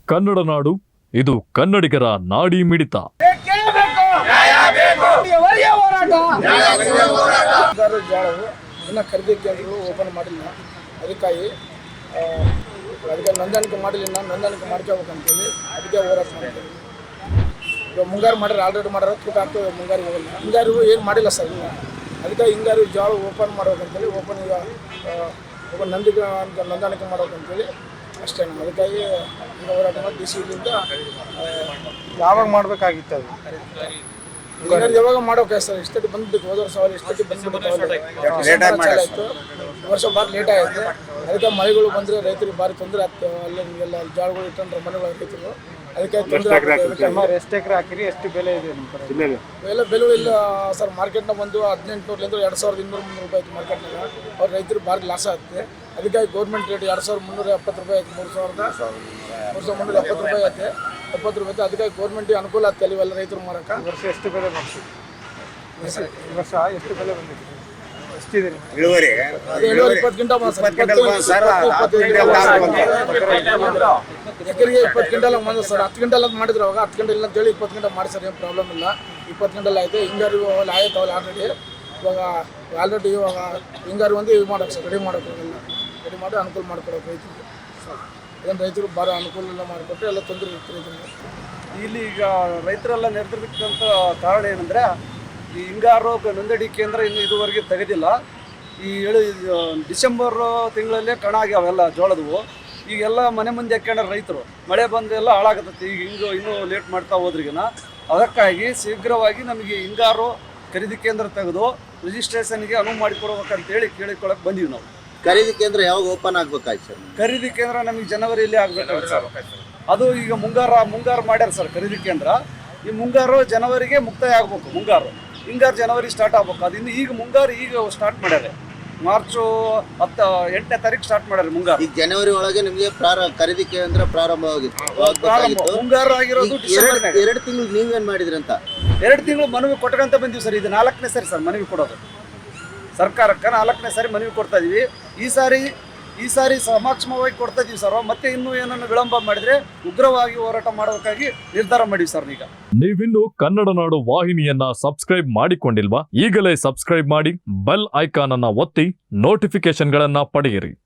ಕನ್ನಡ ನಾಡು, ಇದು ಕನ್ನಡಿಗರ ನಾಡಿ ಮಿಡಿತ. ಇನ್ನು ಖರೀದಿ ಕೇಂದ್ರಗಳು ಓಪನ್ ಮಾಡಿಲ್ಲ, ಅದಕ್ಕಾಗಿ ನೋಂದಾಣಿಕೆ ಮಾಡಿಲ್ಲ. ನೋಂದಾಣಿಕೆ ಮಾಡ್ಕೋಬೇಕಂತೇಳಿ ಅದಕ್ಕೆ ಹೋರಾಟ ಮಾಡ್ತೀವಿ. ಇವಾಗ ಮುಂಗಾರು ಮಾಡ್ಯಾರ, ಆಲ್ರೆಡಿ ಮಾಡ್ಯಾರ, ತೂಕ ಆಗ್ತದೆ. ಮುಂಗಾರಿಗೆ ಹೋಗಲ್ಲ, ಹಿಂಗಾರಿಗೂ ಏನು ಮಾಡಿಲ್ಲ ಸರ್. ಇಲ್ಲ ಅದಕ್ಕೆ ಹಿಂಗಾರು ಜೋಳ ಓಪನ್ ಮಾಡ್ಬೇಕಂತೇಳಿ ಓಪನ್ ಈಗ ನೋಂದಾಣಿಕೆ ಮಾಡ್ಬೇಕಂತೇಳಿ ಅಷ್ಟೇ. ಅದಕ್ಕಾಗಿ ಈಗ ಹೋರಾಟ ಮಾಡಿ ಡಿಸಿಲಿಂದ ಯಾವಾಗ ಮಾಡಬೇಕಾಗಿತ್ತು ಅದು? ಯಾವಾಗ ಮಾಡೋಕೆ ಸರ್? ಇಷ್ಟೊತ್ತಿ ಬಂದ್ಬಿಟ್ಟು ಹೋದ ವರ್ಷ ಇಷ್ಟೊತ್ತಿ ಬಂದ್ಬಿಟ್ಟು ವರ್ಷ ಭಾಳ ಲೇಟ್ ಆಯಿತು. ಅದಕ್ಕೆ ಮಳೆಗಳು ಬಂದರೆ ರೈತರಿಗೆ ಭಾರಿ ತೊಂದರೆ ಆಗ್ತದೆ. ಅಲ್ಲೆಲ್ಲ ಜಾಳಗಳು ಇಟ್ಟಂದ್ರೆ ಮನೆಗಳ ರೈತರು ಅದಕ್ಕೆ ತೊಂದರೆ ಆಗ್ತದೆ. ಎಷ್ಟು ಎಕರೆ ಹಾಕಿರಿ, ಎಷ್ಟು ಬೆಲೆ ಇದೆ ಎಲ್ಲ ಬೆಲೆ ಇಲ್ಲ ಸರ್. ಮಾರ್ಕೆಟ್ನಾಗ ಬಂದು 1800 2200 ರೂಪಾಯಿ ಆಯ್ತು ಮಾರ್ಕೆಟ್ನಾಗ. ಅವ್ರ ರೈತರು ಭಾರಿ ಲಾಸ್ ಆಗುತ್ತೆ. ಅದಕ್ಕಾಗಿ ಗೌರ್ಮೆಂಟ್ ರೇಟ್ 2370 ರೂಪಾಯಿ ಆಯ್ತು. 3370 ರೂಪಾಯಿ ಆಯ್ತು, 70 ರೂಪಾಯಿ. ಅದಕ್ಕಾಗಿ ಗೌರ್ಮೆಂಟಿಗೆ ಅನುಕೂಲ ಆಗ್ತದೆ ಇವೆಲ್ಲ ರೈತರು ಮಾರಕ್ಕೆ. ವರ್ಷ ಎಷ್ಟು ಬೆಲೆ ಬರ್ತೀವಿ? ವರ್ಷ ಎಷ್ಟು ಬೆಲೆ ಬಂದಿದೆ? ಎಷ್ಟಿದೆ ಇಳುವರಿ? 20 ಕ್ವಿಂಟಲ್ ಎಕರೆಗೆ 20 ಕ್ವಿಂಟಲ್ ಬಂದ ಸರ್. 10 ಕ್ವಿಂಟಲ್ ಅಂತ ಮಾಡಿದ್ರು ಅವಾಗ. 10 ಕ್ವಿಂಟಲ್ ಅಂತೇಳಿ 20 ಕ್ವಿಂಟಲ್ ಮಾಡಿ ಸರ್, ಏನು ಪ್ರಾಬ್ಲಮ್ ಇಲ್ಲ. 20 ಕ್ವಿಂಟಲ್ ಆಯಿತು. ಹಿಂಗಾರು ಅವೆಲ್ಲ ಆಯ್ತು ಅವಲ್ಲ ಆಲ್ರೆಡಿ. ಇವಾಗ ಹಿಂಗಾರು ಒಂದು ಇದು ಮಾಡೋಕೆ ಸರ್, ರೆಡಿ ಮಾಡೋಕ್ಕಾಗಲ್ಲ. ರೆಡಿ ಮಾಡಿ ಅನುಕೂಲ ಮಾಡ್ಕೊಡೋಕೆ ರೈತರಿಗೆ. ಅದನ್ನು ರೈತರು ಭಾಳ ಅನುಕೂಲ ಎಲ್ಲ ಮಾಡಿಕೊಟ್ರೆ ಎಲ್ಲ ತೊಂದರೆ ಇರುತ್ತೆ ರೈತರಿಗೆ. ಇಲ್ಲಿ ಈಗ ರೈತರೆಲ್ಲ ನೆರೆದಿರ್ತಕ್ಕಂಥ ಕಾರಣ ಏನಂದರೆ, ಈ ಹಿಂಗಾರು ನೋಂದಣಿ ಕೇಂದ್ರ ಇನ್ನು ಇದುವರೆಗೆ ತೆಗೆದಿಲ್ಲ. ಈ ಡಿಸೆಂಬರ್ ತಿಂಗಳಲ್ಲೇ ಕಣ ಆಗ್ಯಾವೆಲ್ಲ ಜೋಳದವು. ಈಗೆಲ್ಲ ಮನೆ ಮುಂದೆ ಹಾಕ್ಕೊಂಡ್ರೆ ರೈತರು, ಮಳೆ ಬಂದೆಲ್ಲ ಹಾಳಾಗತ್ತೈತಿ. ಈಗ ಇನ್ನೂ ಲೇಟ್ ಮಾಡ್ತಾ ಹೋದ್ರಿಗಿನ. ಅದಕ್ಕಾಗಿ ಶೀಘ್ರವಾಗಿ ನಮಗೆ ಹಿಂಗಾರು ಖರೀದಿ ಕೇಂದ್ರ ತೆಗೆದು ರಿಜಿಸ್ಟ್ರೇಷನ್ಗೆ ಅನುವು ಮಾಡಿಕೊಡ್ಬೇಕಂತೇಳಿ ಕೇಳಿಕೊಳ್ಳಕ್ಕೆ ಬಂದೀವಿ ನಾವು. ಖರೀದಿ ಕೇಂದ್ರ ಯಾವಾಗ ಓಪನ್ ಆಗ್ಬೇಕಾಯ್ತು ಸರ್? ಖರೀದಿ ಕೇಂದ್ರ ನಮಗೆ ಜನವರಿಯಲ್ಲಿ ಆಗಬೇಕಾಗುತ್ತೆ ಸರ್. ಅದು ಈಗ ಮುಂಗಾರು ಮಾಡ್ಯಾರ ಸರ್ ಖರೀದಿ ಕೇಂದ್ರ. ಈ ಮುಂಗಾರು ಜನವರಿಗೆ ಮುಕ್ತಾಯ ಆಗ್ಬೇಕು. ಹಿಂಗಾರು ಜನವರಿ ಸ್ಟಾರ್ಟ್ ಆಗ್ಬೇಕು. ಅದು ಇನ್ನು ಈಗ ಮುಂಗಾರು ಸ್ಟಾರ್ಟ್ ಮಾಡ್ಯಾರೆ. ಮಾರ್ಚ್ 8ನೇ ತಾರೀಕು ಸ್ಟಾರ್ಟ್ ಮಾಡ್ಯಾರ ಮುಂಗಾರು. ಈಗ ಜನವರಿ ಒಳಗೆ ನಿಮಗೆ ಖರೀದಿ ಕೇಂದ್ರ ಪ್ರಾರಂಭವಾಗಿತ್ತು. ಮುಂಗಾರು ಆಗಿರೋದು 2 ತಿಂಗಳು ನೀವೇನ್ ಮಾಡಿದ್ರಿ ಅಂತ? 2 ತಿಂಗಳು ಮನವಿ ಕೊಟ್ಟಂತ ಬಂದೀವಿ ಸರ್. ಇದು 4ನೇ ಸರಿ ಸರ್ ಮನವಿ ಕೊಡೋದು. ಸರ್ಕಾರಕ್ಕೆ 4ನೇ ಸಾರಿ ಮನವಿ ಕೊಡ್ತಾ ಇದೀವಿ. ಈ ಸಾರಿ ಸಮಾಕ್ಷಮವಾಗಿ ಕೊಡ್ತಾ ಇದೀವಿ ಸರ್. ಮತ್ತೆ ಇನ್ನೂ ಏನನ್ನು ವಿಳಂಬ ಮಾಡಿದ್ರೆ ಉಗ್ರವಾಗಿ ಹೋರಾಟ ಮಾಡೋದಕ್ಕಾಗಿ ನಿರ್ಧಾರ ಮಾಡಿವಿ ಸರ್. ಈಗ ನೀವಿನ್ನು ಕನ್ನಡ ನಾಡು ವಾಹಿನಿಯನ್ನ ಸಬ್ಸ್ಕ್ರೈಬ್ ಮಾಡಿಕೊಂಡಿಲ್ವಾ? ಈಗಲೇ ಸಬ್ಸ್ಕ್ರೈಬ್ ಮಾಡಿ, ಬೆಲ್ ಐಕಾನ್ ಅನ್ನ ಒತ್ತಿ ನೋಟಿಫಿಕೇಶನ್ ಗಳನ್ನ ಪಡೆಯಿರಿ.